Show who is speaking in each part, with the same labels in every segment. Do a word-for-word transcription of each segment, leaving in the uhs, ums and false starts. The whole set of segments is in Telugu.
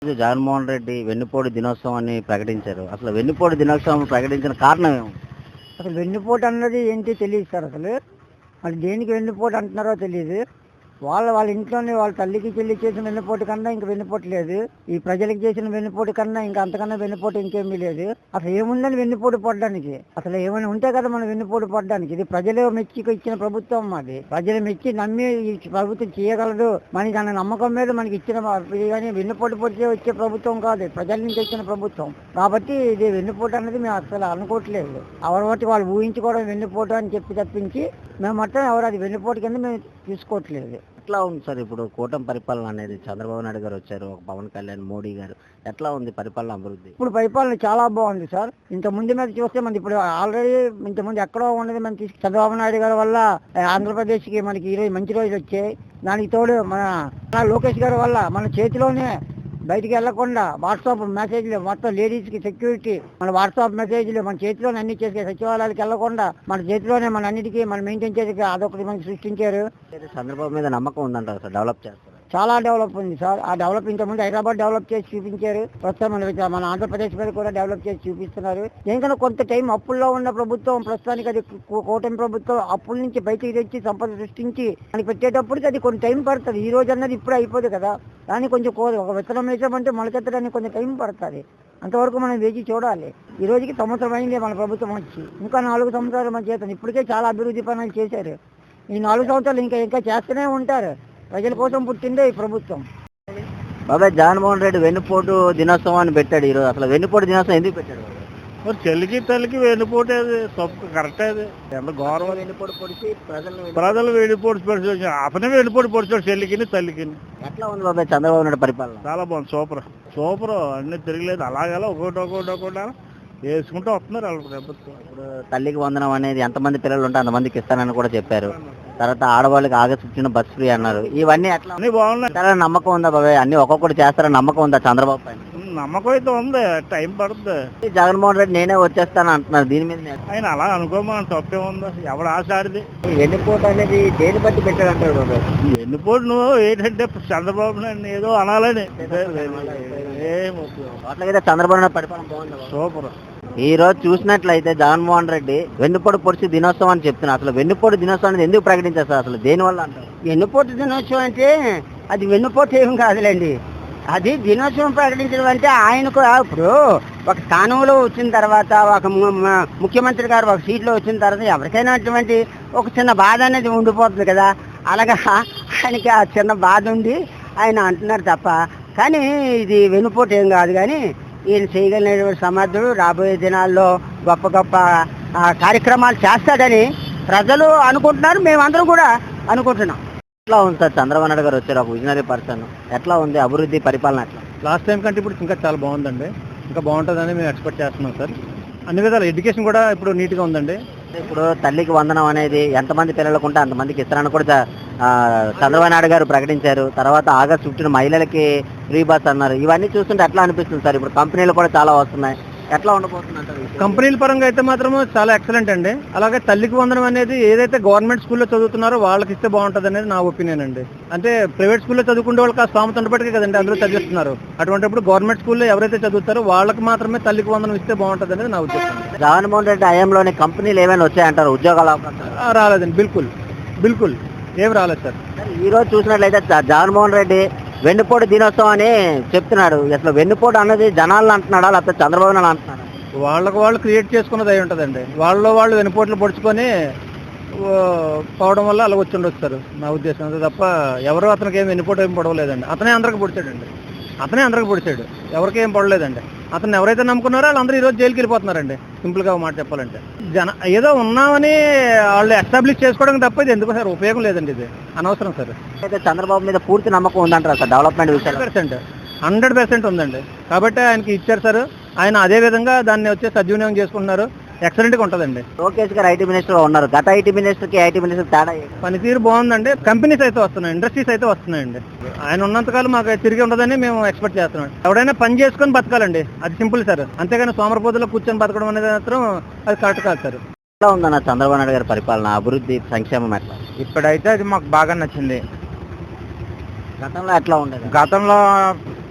Speaker 1: జగన్మోహన్ రెడ్డి వెన్నుపోటు దినోత్సవాన్ని ప్రకటించారు. అసలు వెన్నుపోటు దినోత్సవం ప్రకటించిన కారణం ఏమి?
Speaker 2: అసలు వెన్నుపోటు అన్నది ఏంటి తెలియదు సార్. అసలు మరి దేనికి వెన్నుపోటు అంటున్నారో తెలియదు. వాళ్ళ వాళ్ళ ఇంట్లోనే వాళ్ళ తల్లికి చెల్లి చేసిన వెన్నుపోటు కన్నా ఇంక వెన్నుపోటు లేదు. ఈ ప్రజలకు చేసిన వెన్నుపోటు కన్నా ఇంకా అంతకన్నా వెన్నుపోటు ఇంకేమీ లేదు. అసలు ఏముందని వెన్నుపోటు పడడానికి? అసలు ఏమైనా ఉంటే కదా మనం వెన్నుపోటు పడడానికి. ఇది ప్రజలు మెచ్చి ఇచ్చిన ప్రభుత్వం మాది. ప్రజలు మెచ్చి నమ్మి ఈ ప్రభుత్వం చేయగలదు మనకి అన్న నమ్మకం మీద మనకి ఇచ్చిన కానీ వెన్నుపోటు పొడిచే వచ్చే ప్రభుత్వం కాదు, ప్రజల నుంచి వచ్చిన ప్రభుత్వం కాబట్టి ఇది వెన్నుపోటు అన్నది మేము అసలు అనుకోవట్లేదు. ఎవరి బట్టి వాళ్ళు ఊహించుకోవడం వెన్నుపోటు అని చెప్పి తప్పించి మేము మొత్తం ఎవరు అది వెన్నుపోటు కింద మేము తీసుకోవట్లేదు.
Speaker 1: ఎట్లా ఉంది సార్ ఇప్పుడు కూటమి పరిపాలన అనేది? చంద్రబాబు నాయుడు గారు వచ్చారు, ఒక పవన్ కళ్యాణ్, మోడీ గారు, ఎట్లా ఉంది పరిపాలన అభివృద్ధి?
Speaker 2: ఇప్పుడు పరిపాలన చాలా బాగుంది సార్. ఇంత ముందు మీద చూస్తే మనకి ఇప్పుడు ఆల్రెడీ ఇంత ముందు ఎక్కడో ఉన్నది మనం తీసుకు చంద్రబాబు నాయుడు గారి వల్ల ఆంధ్రప్రదేశ్కి మనకి ఈరోజు మంచి రోజులు వచ్చాయి. దానికి తోడు మన లోకేష్ గారి వల్ల మన చేతిలోనే బయటికి వెళ్లకుండా వాట్సాప్ మెసేజ్లు మొత్తం లేడీస్కి సెక్యూరిటీ మన వాట్సాప్ మెసేజ్లు మన చేతిలోనే అన్ని చేసే సచివాలయాలకు వెళ్లకుండా మన చేతిలోనే మన అన్నిటికీ మనం మెయింటైన్ చేసి అదొకటి మనకి సృష్టించారు.
Speaker 1: చంద్రబాబు మీద నమ్మకం ఉందంటారు సార్, డెవలప్ చేస్తారు?
Speaker 2: చాలా డెవలప్ ఉంది సార్. ఆ డెవలప్ ఇంతకుముందు హైదరాబాద్ డెవలప్ చేసి చూపించారు, ప్రస్తుతం మన మన ఆంధ్రప్రదేశ్ మీద కూడా డెవలప్ చేసి చూపిస్తున్నారు. ఎందుకంటే కొంత టైం అప్పుల్లో ఉన్న ప్రభుత్వం ప్రస్తుతానికి అది కూటమి ప్రభుత్వం అప్పుల నుంచి బయటికి తెచ్చి సంపద సృష్టించి మనకి పెట్టేటప్పటికి అది కొంచెం టైం పడుతుంది. ఈ రోజు అన్నది ఇప్పుడు అయిపోదు కదా, కానీ కొంచెం ఒక విత్తనం వేసామంటే మొలకెత్తడానికి కొంచెం టైం పడుతుంది. అంతవరకు మనం వేచి చూడాలి. ఈ రోజుకి సంవత్సరం అయింది మన ప్రభుత్వం వచ్చి, ఇంకా నాలుగు సంవత్సరాలు మన చేస్తాం. ఇప్పటికే చాలా అభివృద్ధి పనులు చేశారు. ఈ నాలుగు సంవత్సరాలు ఇంకా ఇంకా చేస్తూనే ఉంటారు. ప్రజల కోసం పుట్టిందే ఈ ప్రభుత్వం.
Speaker 1: బాబాయ్, జగన్మోహన్ రెడ్డి వెన్నుపోటు దినోత్సవాన్ని పెట్టాడు ఈరోజు. అసలు వెన్నుపోటు దినోత్సవం ఎందుకు పెట్టాడు?
Speaker 3: మరి చెల్లికి తల్లికి వెన్నుపోటు అది కరెక్ట్. అది ఎంత గౌరవం.
Speaker 1: వెన్నుపోటు పొడిచి ప్రజలు
Speaker 3: ప్రజలు వెన్నుపోటు పొడిచి అతనే వెన్నుపోటు పొడిచాడు చెల్లికి తల్లికి.
Speaker 1: ఎట్లా ఉంది బాబాయ్ చంద్రబాబు నాయుడు పరిపాలన?
Speaker 3: చాలా బాగుంది, సూపర్ సూపర్. అన్ని తిరగలేదు, అలాగలా ఒకటి ఒకటి ఒకటి వేసుకుంటూ వస్తున్నారు వాళ్ళ ప్రభుత్వం.
Speaker 1: ఇప్పుడు తల్లికి వందనం అనేది ఎంతమంది పిల్లలు ఉంటే అంతమందికి ఇస్తానని కూడా చెప్పారు. తర్వాత ఆడవాళ్ళకి ఆగస్టు ఫిఫ్టీన్ బస్ ఫ్రీ అన్నారు. ఇవన్నీ ఎట్లా
Speaker 3: అన్ని బాగున్నాయి.
Speaker 1: చాలా నమ్మకం ఉందా బాబాయ్? అన్ని ఒక్కొక్కటి చేస్తారని నమ్మకం ఉందా చంద్రబాబు పైన?
Speaker 3: నమ్మకం అయితే ఉంది, టైం పడుతుంది.
Speaker 1: జగన్మోహన్ రెడ్డి నేనే వచ్చేస్తాను అంటున్నారు, దీని మీద
Speaker 3: ఆయన అలా అనుకోమని తప్పే ఉందా? ఎవడు ఆశాడిది?
Speaker 1: వెన్నుపోటు అనేది దేని బట్టి పెట్టాడు అంటారు బాబాయ్?
Speaker 3: వెన్నుపోటు నువ్వు ఏంటంటే చంద్రబాబు నాయుడు ఏదో అనాలని.
Speaker 1: అట్లాగైతే చంద్రబాబు నాయుడు పరిపాలన బాగుంది,
Speaker 3: సూపర్.
Speaker 1: ఈ రోజు చూసినట్లయితే జగన్మోహన్ రెడ్డి వెన్నుపోటు పొడిచి దినోత్సవం అని చెప్తున్నారు. అసలు వెన్నుపోటు దినోత్సవం అనేది ఎందుకు ప్రకటించారు సార్? అసలు దేని వల్ల అంటారు?
Speaker 2: వెన్నుపోటు దినోత్సవం అంటే అది వెన్నుపోటు ఏం కాదులేండి. అది దినోత్సవం ప్రకటించడం అంటే ఆయనకు ఇప్పుడు ఒక స్థానంలో వచ్చిన తర్వాత ఒక ముఖ్యమంత్రి గారు ఒక సీట్లో వచ్చిన తర్వాత ఎవరికైనా అటువంటి ఒక చిన్న బాధ అనేది ఉండిపోతుంది కదా. అలాగా ఆయనకి ఆ చిన్న బాధ ఉండి ఆయన అంటున్నారు తప్ప, కానీ ఇది వెన్నుపోటు ఏం కాదు. కానీ ఈయన చేయగలిగినటువంటి సమర్థుడు, రాబోయే దినాల్లో గొప్ప గొప్ప కార్యక్రమాలు చేస్తాడని ప్రజలు అనుకుంటున్నారు, మేమందరం కూడా అనుకుంటున్నాం.
Speaker 1: ఎట్లా ఉంది సార్ చంద్రబాబు నాయుడు గారు వచ్చారు, ఒక విజనరీ పర్సన్, ఎట్లా ఉంది అభివృద్ధి పరిపాలన? ఎట్లా
Speaker 3: లాస్ట్ టైం కంటే ఇప్పుడు ఇంకా చాలా బాగుందండి, ఇంకా బాగుంటుందని మేము ఎక్స్పెక్ట్ చేస్తున్నాం సార్. అన్ని విధాలు ఎడ్యుకేషన్ కూడా ఇప్పుడు నీట్గా ఉందండి.
Speaker 1: ఇప్పుడు తల్లికి వందనం అనేది ఎంతమంది పిల్లలకు ఉంటే అంతమందికి ఇస్తారని కూడా చంద్రబాబు నాయుడు గారు ప్రకటించారు. తర్వాత ఆగస్ట్ ఫిఫ్టీన్ మహిళలకి ఫ్రీ బస్ అన్నారు. ఇవన్నీ చూస్తుంటే ఎట్లా అనిపిస్తుంది సార్? ఇప్పుడు కంపెనీలు కూడా చాలా వస్తున్నాయి, ఎట్లా ఉండబోతుంది అంటారు?
Speaker 3: కంపెనీల పరంగా అయితే మాత్రం చాలా ఎక్సలెంట్ అండి. అలాగే తల్లికి వందనం అనేది ఏదైతే గవర్నమెంట్ స్కూల్లో చదువుతున్నారో వాళ్ళకి ఇస్తే బాగుంటుంది అనేది నా ఒపీనియన్ అండి. అంటే ప్రైవేట్ స్కూల్లో చదువుకునే వాళ్ళకి ఆ స్థామత ఉండబట్టికే కదండి అందరూ చదివిస్తున్నారు. అటువంటిప్పుడు గవర్నమెంట్ స్కూల్లో ఎవరైతే చదువుతారో వాళ్ళకి మాత్రమే తల్లికి వందనం ఇస్తే బాగుంటుంది అనేది నా ఉద్దేశం.
Speaker 1: జగన్మోహన్ రెడ్డి హయాంలోని కంపెనీలు ఏమైనా వచ్చాయంటారు? ఉద్యోగాల అవకాశాలు
Speaker 3: రాలేదండి, బిల్కుల్ బిల్కుల్ ఏం రాలేదు సార్.
Speaker 1: ఈ రోజు చూసినట్లయితే జగన్మోహన్ రెడ్డి వెన్నుపోటు దినోత్సవం అని చెప్తున్నాడు. అసలు వెన్నుపోటు అన్నది జనాలను అంటున్నాడా లేకపోతే చంద్రబాబు నాయుడు అంటున్నాడు?
Speaker 3: వాళ్ళకు వాళ్ళు క్రియేట్ చేసుకున్నది అయి ఉంటుందండి. వాళ్ళలో వాళ్ళు వెన్నుపోట్లు పొడుచుకొని పోవడం వల్ల అలా వచ్చి ఉండొచ్చు సార్, నా ఉద్దేశం. అంతే తప్ప ఎవరు అతనికి ఏం వెన్నుపోటు ఏం పడవలేదండి. అతనే అందరికి పొడిచాడండి, అతనే అందరికి పొడిచాడు, ఎవరికి ఏం పడలేదండి. అతను ఎవరైతే నమ్ముకున్నారో వాళ్ళందరూ ఈరోజు జైలుకి వెళ్ళిపోతున్నారండి. సింపుల్గా మాట చెప్పాలంటే జన ఏదో ఉన్నామని వాళ్ళు ఎస్టాబ్లిష్ చేసుకోవడం తప్ప ఇది ఎందుకు సార్ ఉపయోగం లేదండి, ఇది అనవసరం సార్.
Speaker 1: అయితే చంద్రబాబు మీద పూర్తి నమ్మకం ఉందంటారా సార్ డెవలప్మెంట్ విషయాలు?
Speaker 3: పర్సెంట్ హండ్రెడ్ పర్సెంట్ ఉందండి. కాబట్టి ఆయనకి ఇచ్చారు సార్, ఆయన అదే విధంగా దాన్ని వచ్చి సద్వినియోగం చేసుకుంటున్నారు. ఎక్సలెంట్గా ఉంటుందండి.
Speaker 1: లోకేష్ గారు ఐటీ మినిస్టర్ ఉన్నారు. గత ఐటీ మినిస్టర్కి ఐటీ మినిస్టర్ తేడా?
Speaker 3: పనితీరు బాగుందండి. కంపెనీస్ అయితే వస్తున్నాయి, ఇండస్ట్రీస్ అయితే వస్తున్నాయండి. ఆయన ఉన్నంతకాలం మాకు తిరిగి ఉండదని మేము ఎక్స్పెక్ట్ చేస్తున్నాం. ఎవడైనా పని చేసుకొని బతకాలండి, అది సింపుల్ సార్. అంతేగాని సోమరపోతులో కూర్చొని బతకడం అనేది మాత్రం అది కరెక్ట్ కాదు సార్.
Speaker 1: ఎట్లా ఉందన్న చంద్రబాబు నాయుడు గారి పరిపాలన, అభివృద్ధి, సంక్షేమం ఎట్లా?
Speaker 2: ఇప్పుడైతే అది మాకు బాగా నచ్చింది.
Speaker 1: గతంలో ఎట్లా ఉండేది?
Speaker 2: గతంలో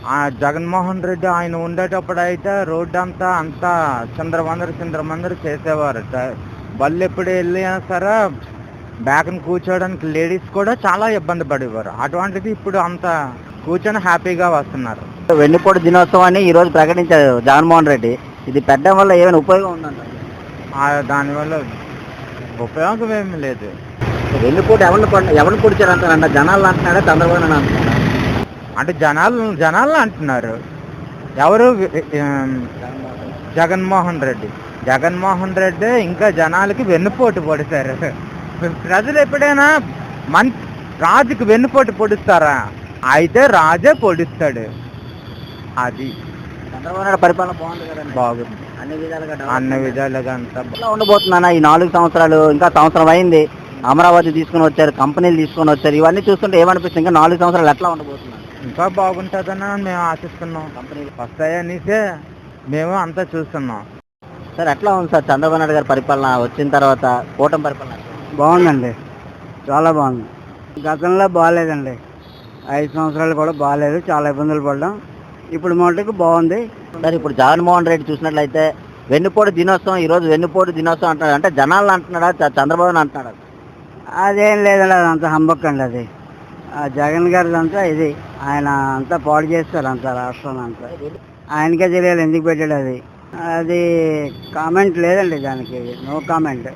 Speaker 3: ఆ జగన్మోహన్ రెడ్డి ఆయన ఉండేటప్పుడు అయితే రోడ్డు అంతా అంతా చిందరమందరు చిందరమందరు చేసేవారు. బళ్ళు ఎప్పుడు వెళ్ళినా సరే బ్యాక్ని కూర్చోవడానికి లేడీస్ కూడా చాలా ఇబ్బంది పడేవారు. అటువంటిది ఇప్పుడు అంత కూర్చొని హ్యాపీగా వస్తున్నారు.
Speaker 1: వెన్నుపోటు దినోత్సవాన్ని ఈ రోజు ప్రకటించారు జగన్మోహన్ రెడ్డి. ఇది పెట్టడం వల్ల ఏమైనా ఉపయోగం ఉందంట?
Speaker 3: దానివల్ల ఉపయోగం ఏమీ లేదు.
Speaker 1: వెన్నుపోటు ఎవరిని పడ- ఎవరిని పొడిచారంటారంట? జనాలు అంటున్నాడా, చంద్రబాబు నాయుడు అంటున్నాడా?
Speaker 3: అంటే జనాలు జనాలు అంటున్నారు. ఎవరు ఆ, జగన్మోహన్ రెడ్డి జగన్మోహన్ రెడ్డి ఇంకా జనాలకి వెన్నుపోటు పొడిచారు. ప్రజలు ఎప్పుడైనా మన్ రాజుకి వెన్నుపోటు పొడుస్తారా? అయితే రాజే పొడిస్తాడు. అది
Speaker 1: చంద్రబాబు నాయుడు పరిపాలన బాగుంది కదండి.
Speaker 3: బాగుంది
Speaker 1: అన్ని విధాలుగా
Speaker 3: అన్ని విధాలుగా అంతా బా-
Speaker 1: ఎట్లా ఉండబోతుందన్న ఈ నాలుగు సంవత్సరాలు? ఇంకా సంవత్సరం అయింది, అమరావతి తీసుకొని వచ్చారు, కంపెనీలు తీసుకొని వచ్చారు. ఇవన్నీ చూస్తుంటే ఏమనిపిస్తుంది? ఇంకా నాలుగు సంవత్సరాలు ఎట్లా ఉండబోతున్నారు?
Speaker 3: ఇంకా బాగుంటుందని మేము ఆశిస్తున్నాం.
Speaker 1: కంపెనీలు
Speaker 3: వస్తాయనిసే మేము అంతా చూస్తున్నాం.
Speaker 1: సార్ ఎట్లా ఉంది సార్ చంద్రబాబు నాయుడు గారి పరిపాలన వచ్చిన తర్వాత? కూటమి పరిపాలన ఎట్లా ఉంది?
Speaker 2: బాగుందండి, చాలా బాగుంది. గతంలో బాగాలేదండి, ఐదు సంవత్సరాలు కూడా బాగాలేదు, చాలా ఇబ్బందులు పడ్డాం. ఇప్పుడు మటుకు బాగుంది.
Speaker 1: సార్ ఇప్పుడు జగన్మోహన్ రెడ్డి చూసినట్లయితే వెన్నుపోటు దినోత్సవం, ఈ రోజు వెన్నుపోటు దినోత్సవం అంటున్నాడు. అంటే జనాలను అంటున్నాడా, చ- చంద్రబాబుని అంటున్నాడు?
Speaker 2: అదేం లేదండి, అదంతా హంబక్ అండి. అది ఆ జగన్ గారిది అంతా ఇది, ఆయన అంతా పాడు చేస్తారు అంతా రాష్ట్రాన్ని అంతా. ఆయనకే తెలియాలి ఎందుకు పెట్టాడు అది. అది కామెంట్ లేదండి దానికి, నో కామెంట్.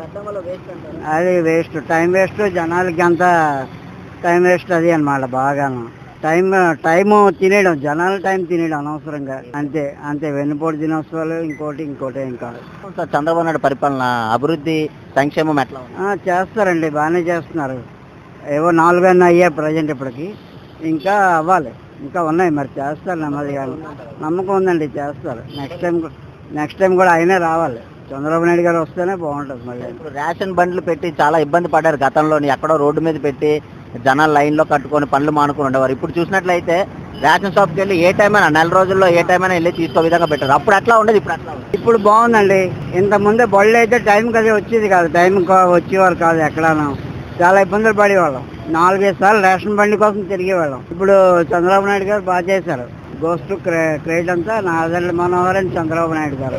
Speaker 2: అది వేస్ట్, టైం వేస్ట్, జనాలకి అంతా టైం వేస్ట్ అది అన్నమాట. బాగాను టైం టైం తినేయడం, జనాల టైం తినేయడం అనవసరంగా, అంతే అంతే. వెన్నుపోటు దినోత్సవాలు ఇంకోటి ఇంకోటి ఇంకా
Speaker 1: సార్ చంద్రబాబు నాయుడు పరిపాలన, అభివృద్ధి, సంక్షేమం ఎట్లా ఉంది?
Speaker 2: ఆ, చేస్తారండి, బాగానే చేస్తున్నారు. ఏవో నాలుగైనా అయ్యాయి ప్రజెంట్ ఇప్పటికి, ఇంకా అవ్వాలి, ఇంకా ఉన్నాయి. మరి చేస్తారు, నెమ్మదిగా నమ్మకం ఉందండి, చేస్తారు. నెక్స్ట్ టైం నెక్స్ట్ టైం కూడా ఆయనే రావాలి, చంద్రబాబు నాయుడు గారు వస్తేనే బాగుంటుంది. మళ్ళీ
Speaker 1: ఇప్పుడు రేషన్ బండ్లు పెట్టి చాలా ఇబ్బంది పడ్డారు గతంలోని. ఎక్కడో రోడ్డు మీద పెట్టి జనాలు లైన్లో కట్టుకొని పనులు మానుకొని ఉండేవారు. ఇప్పుడు చూసినట్లయితే రేషన్ షాప్కి వెళ్ళి ఏ టైం అయినా, నెల రోజుల్లో ఏ టైం అయినా వెళ్ళి తీసుకో విధంగా పెట్టారు. అప్పుడు అట్లా ఉండేది, ఇప్పుడు అట్లా ఉంది.
Speaker 2: ఇప్పుడు బాగుందండి. ఇంత ముందే బళ్ళు అయితే టైంకి అది వచ్చేది కాదు, టైం వచ్చేవారు కాదు ఎక్కడాను, చాలా ఇబ్బందులు పడేవాళ్ళం. నాలుగైదు సార్లు రేషన్ బండి కోసం తిరిగేవాళ్ళం. ఇప్పుడు చంద్రబాబు నాయుడు గారు బాగా చేశారు. గోస్ట్ క్రెడిట్ అంతా నాదెండ్ల మనోహర్ అండ్ చంద్రబాబు నాయుడు గారు.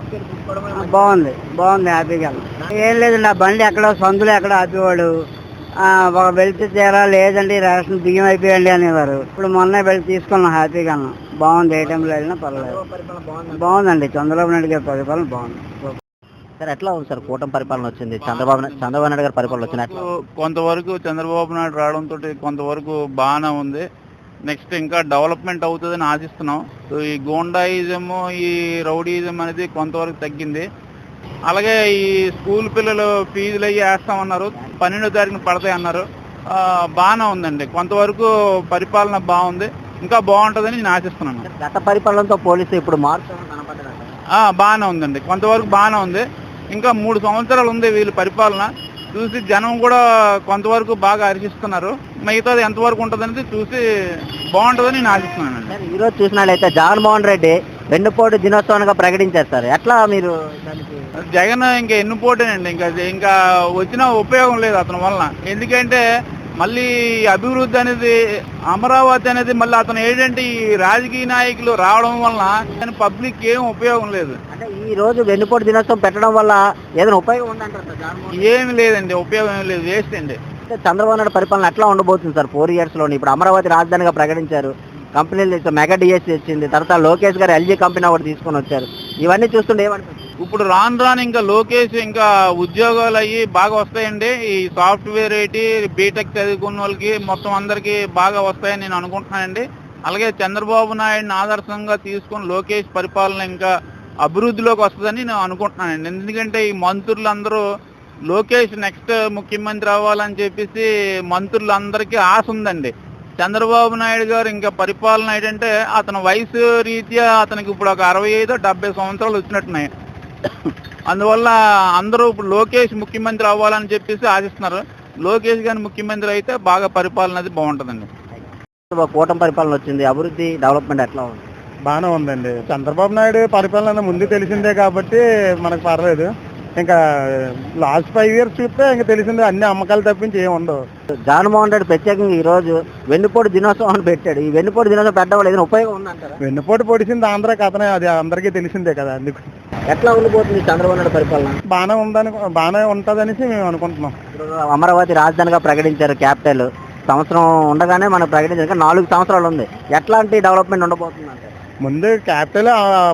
Speaker 2: ఆ, బాగుంది బాగుంది, హ్యాపీగా. ఏం లేదండి, ఆ బండి ఎక్కడో సందులో ఎక్కడో ఆపేవాడు. ఆ, ఒక వెళ్తే తీరా లేదండి రేషన్ బియ్యం అయిపోయండి అనేవారు. ఇప్పుడు మొన్న వెళ్ళి తీసుకున్నాం హ్యాపీగా, బాగుంది. ఏ టైంలో వెళ్ళినా పర్లేదు, బాగుందండి. చంద్రబాబు నాయుడు గారి పరిపాలన బాగుంది.
Speaker 1: సార్ ఎట్లా ఉంది సార్ కూటమి పరిపాలన వచ్చింది, చంద్రబాబు నా- చంద్రబాబు నాయుడు గారి పరిపాలన వచ్చింది ఎట్లా ఉంది?
Speaker 4: కొంతవరకు చంద్రబాబు నాయుడు రావడంతో కొంతవరకు బాగానే ఉంది. నెక్స్ట్ ఇంకా డెవలప్మెంట్ అవుతుందని ఆశిస్తున్నాం. సో ఈ గోండాయిజం, ఈ రౌడీయిజం అనేది కొంతవరకు తగ్గింది. అలాగే ఈ స్కూల్ పిల్లలు ఫీజులు అయ్యి వేస్తామన్నారు, పన్నెండో తారీఖున పడతాయి అన్నారు. ఆ, బాగానే ఉందండి, కొంతవరకు పరిపాలన బాగుంది, ఇంకా బాగుంటుందని నేను ఆశిస్తున్నాను.
Speaker 1: గత పరిపాలనతో పోలిస్తే ఇప్పుడు మార్పు ఏమైనా కనపడ్డదా?
Speaker 4: ఆ, బాగానే ఉందండి, కొంతవరకు బాగానే ఉంది. ఇంకా మూడు సంవత్సరాలు ఉంది వీళ్ళ పరిపాలన చూసి జనం కూడా కొంతవరకు బాగా హర్షిస్తున్నారు. మిగతాది ఎంతవరకు ఉంటుందనేది చూసి బాగుంటుందని నేను ఆశిస్తున్నానండి.
Speaker 1: సార్ ఈ రోజు చూసినట్లయితే జగన్మోహన్ రెడ్డి వెన్నుపోటు దినోత్సవంగా ప్రకటించారు సార్. ఎట్లా మీరు దానికి?
Speaker 4: జగన్ ఇంకా ఎన్ని పోటేనండి, ఇంకా ఇంకా వచ్చినా ఉపయోగం లేదు అతని వలన. ఎందుకంటే మళ్ళీ అభివృద్ధి అనేది, అమరావతి అనేది మళ్ళీ అతను ఏంటంటే ఈ రాజకీయ నాయకులు రావడం వలన పబ్లిక్ ఏం ఉపయోగం లేదు.
Speaker 1: అంటే ఈ రోజు వెన్నుపోటు దినోత్సవం పెట్టడం వల్ల ఏదైనా ఉపయోగం ఉందంటారు సార్ జగన్మోహన్?
Speaker 4: ఏమి లేదండి, ఉపయోగం ఏం లేదు, వేస్ట్ అండి.
Speaker 1: అంటే చంద్రబాబు నాయుడు పరిపాలన ఎట్లా ఉండబోతుంది సార్ ఫోర్ ఇయర్స్ లోని? ఇప్పుడు అమరావతి రాజధానిగా ప్రకటించారు, కంపెనీలు తెచ్చారు, మెగా డిఎస్సీ వచ్చింది, తర్వాత లోకేష్ గారు ఎల్జీ కంపెనీ ఒకటి తీసుకొని వచ్చారు. ఇవన్నీ చూస్తుంటే ఏమనిపిస్తుంది?
Speaker 4: ఇప్పుడు రాను రాను ఇంకా లోకేష్ ఇంకా ఉద్యోగాలు అయ్యి బాగా వస్తాయండి. ఈ సాఫ్ట్వేర్ ఏంటి, బీటెక్ చదువుకున్న వాళ్ళకి మొత్తం అందరికీ బాగా వస్తాయని నేను అనుకుంటున్నానండి. అలాగే చంద్రబాబు నాయుడిని ఆదర్శంగా తీసుకుని లోకేష్ పరిపాలన ఇంకా అభివృద్ధిలోకి వస్తుందని నేను అనుకుంటున్నానండి. ఎందుకంటే ఈ మంత్రులందరూ లోకేష్ నెక్స్ట్ ముఖ్యమంత్రి అవ్వాలని చెప్పేసి మంత్రులందరికీ ఆశ ఉందండి. చంద్రబాబు నాయుడు గారు ఇంకా పరిపాలన ఏంటంటే అతని వయసు రీత్యా అతనికి ఇప్పుడు ఒక అరవై ఐదో డెబ్బై సంవత్సరాలు వచ్చినట్టున్నాయి. అందువల్ల అందరూ ఇప్పుడు లోకేష్ ముఖ్యమంత్రి అవ్వాలని చెప్పేసి ఆశిస్తున్నారు. లోకేష్ గారి ముఖ్యమంత్రి అయితే బాగా పరిపాలన అది బాగుంటుందండి.
Speaker 1: కూటమి పరిపాలన వచ్చింది, అభివృద్ధి డెవలప్మెంట్ ఎట్లా ఉంది?
Speaker 3: బాగానే ఉందండి. చంద్రబాబు నాయుడు పరిపాలన ముందు తెలిసిందే కాబట్టి మనకు పర్లేదు. ఇంకా లాస్ట్ ఫైవ్ ఇయర్స్ చూస్తే ఇంకా తెలిసింది అన్ని అమ్మకాలు తప్పించి ఏమి ఉండవు.
Speaker 1: జగన్మోహన్ రెడ్డి ప్రత్యేకంగా ఈ రోజు వెన్నుపోటు దినోత్సవం అని పెట్టాడు. ఈ వెన్నుపోటు దినోత్సవం పెట్టడం వల్ల ఏదైనా ఉపయోగం ఉందంటారా?
Speaker 3: వెన్నుపోటు పొడిచింది ఆంధ్ర కథనే, అది అందరికీ తెలిసిందే కదా. అందుకు
Speaker 1: ఎట్లా ఉండిపోతుంది చంద్రబాబు నాయుడు పరిపాలన?
Speaker 3: బాగానే ఉందని బాగానే ఉంటుందనేసి మేము అనుకుంటున్నాం.
Speaker 1: ఇప్పుడు అమరావతి రాజధానిగా ప్రకటించారు, క్యాపిటల్. సంవత్సరం ఉండగానే మనం ప్రకటించారు, ఇంకా నాలుగు సంవత్సరాలు ఉంది. ఎట్లాంటి డెవలప్మెంట్ ఉండబోతుంది అంటే?
Speaker 3: ముందు క్యాపిటల్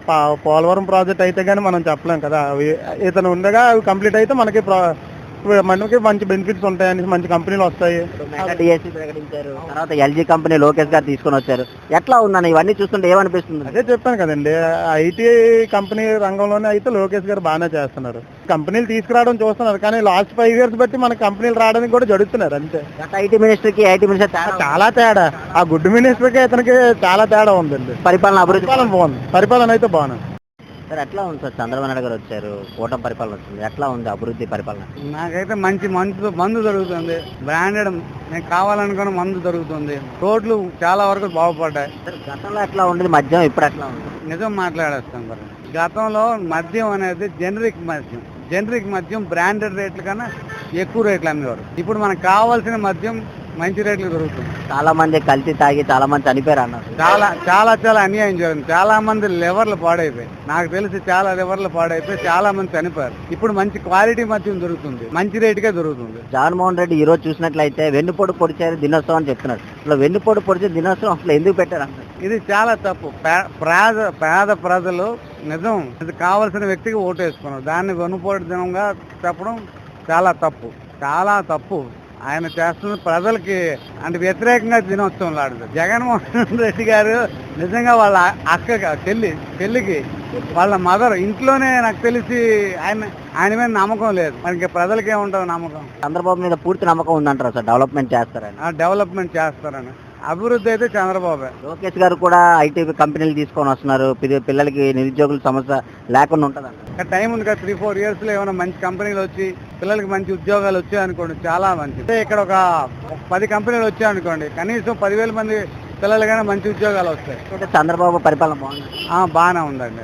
Speaker 3: పోలవరం ప్రాజెక్ట్ అయితే కానీ మనం చెప్పలేం కదా. అవి ఇతను ఉండగా అవి కంప్లీట్ అయితే మనకి ప్రా- మనకి మంచి బెనిఫిట్స్ ఉంటాయని, మంచి కంపెనీలు వస్తాయి.
Speaker 1: మెగా డిఎస్సి ప్రకటించారు, తర్వాత ఎల్జీ కంపెనీ లోకేష్ గారు తీసుకొని వచ్చారు. ఎట్లా ఉందని ఇవన్నీ చూస్తుంటే ఏమనిపిస్తుంది?
Speaker 3: అదే చెప్పాను కదండి, ఐటీ కంపెనీ రంగంలోనే అయితే లోకేష్ గారు బాగానే చేస్తున్నారు. కంపెనీలు తీసుకురావడం చూస్తున్నారు, కానీ లాస్ట్ ఫైవ్ ఇయర్స్ బట్టి మనకి కంపెనీలు రావడానికి కూడా జరుగుతున్నారు అంతే.
Speaker 1: గత ఐటీ మినిస్టర్ కి ఐటీ మినిస్టర్ తేడా ఉందా?
Speaker 3: చాలా తేడా. ఆ గుడ్ మినిస్టర్ కి ఇతనికి చాలా తేడా ఉందండి.
Speaker 1: పరిపాలన అభివృద్ధి
Speaker 3: పరిపాలన బాగుంది, పరిపాలన అయితే బాగుంది.
Speaker 1: సార్ ఎట్లా ఉంది సార్? చంద్రబాబు నాయుడు గారు వచ్చారు, కూటమి పరిపాలన వచ్చింది, ఎట్లా ఉంది అభివృద్ధి పరిపాలన?
Speaker 3: నాకైతే మంచి మందు మందు దొరుకుతుంది, బ్రాండెడ్ నేను కావాలనుకున్న మందు దొరుకుతుంది. రోడ్లు చాలా వరకు బాగుపడ్డాయి.
Speaker 1: సార్ గతంలో ఎట్లా ఉండేది మద్యం, ఇప్పుడు ఎట్లా ఉంది?
Speaker 3: నిజం మాట్లాడేస్తాం మరి. గతంలో మద్యం అనేది జనరిక్ మద్యం, జనరిక్ మద్యం బ్రాండెడ్ రేట్ల కన్నా ఎక్కువ రేట్లు అమ్మేవారు. ఇప్పుడు మనకు కావాల్సిన మద్యం మంచి రేట్లు దొరుకుతుంది.
Speaker 1: చాలా మంది కల్తీ తాగి చాలా మంది చనిపోయారు అన్నారు.
Speaker 3: చాలా చాలా చాలా అన్యాయం జరిగింది. చాలా మంది లివర్లు పాడైపోయి, నాకు తెలిసి చాలా లివర్లు పాడైపోయి చాలా మంది చనిపోయారు. ఇప్పుడు మంచి క్వాలిటీ మద్యం దొరుకుతుంది, మంచి రేటుకే దొరుకుతుంది.
Speaker 1: జగన్మోహన్ రెడ్డి ఈ రోజు చూసినట్లయితే వెన్నుపోటు పొడిచారు దినోత్సవం అని చెప్తున్నారు. అసలు వెన్నుపోటు పొడిచే దినోత్సవం అసలు ఎందుకు పెట్టారు అంటారు?
Speaker 3: ఇది చాలా తప్పు. పే- పేద పేద ప్రజలు నిజం ఇది కావాల్సిన వ్యక్తికి ఓటు వేసుకున్నారు, దాన్ని వెన్నుపోటు దినంగా చెప్పడం చాలా తప్పు, చాలా తప్పు. ఆయన చేస్తున్న ప్రజలకి అంటే వ్యతిరేకంగా దినోత్సవం లాడుతుంది. జగన్మోహన్ రెడ్డి గారు నిజంగా వాళ్ళ అక్క చెల్లి చెల్లికి వాళ్ళ మదర్ ఇంట్లోనే నాకు తెలిసి ఆయన ఆయన మీద నమ్మకం లేదు. మనకి ప్రజలకి ఏముంటుంది నమ్మకం?
Speaker 1: చంద్రబాబు మీద పూర్తి నమ్మకం ఉందంటారు సార్, డెవలప్మెంట్ చేస్తారని.
Speaker 3: ఆ డెవలప్మెంట్ చేస్తారని. అభివృద్ధి అయితే చంద్రబాబే.
Speaker 1: లోకేష్ గారు కూడా ఐటీ కంపెనీలు తీసుకొని వస్తున్నారు, పిల్ల- పిల్లలకి నిరుద్యోగుల సమస్య లేకుండా ఉంటుందంట.
Speaker 3: ఇంకా టైం ఉంది కదా, త్రీ ఫోర్ ఇయర్స్ లో ఏమైనా మంచి కంపెనీలు వచ్చి పిల్లలకి మంచి ఉద్యోగాలు వచ్చాయి అనుకోండి, చాలా మంచిది. ఇక్కడ ఒక పది కంపెనీలు వచ్చాయి అనుకోండి, కనీసం పదివేల మంది పిల్లలకైనా మంచి ఉద్యోగాలు వస్తాయి.
Speaker 1: అయితే చంద్రబాబు పరిపాలన బాగుంది.
Speaker 3: ఆ, బాగానే ఉందండి.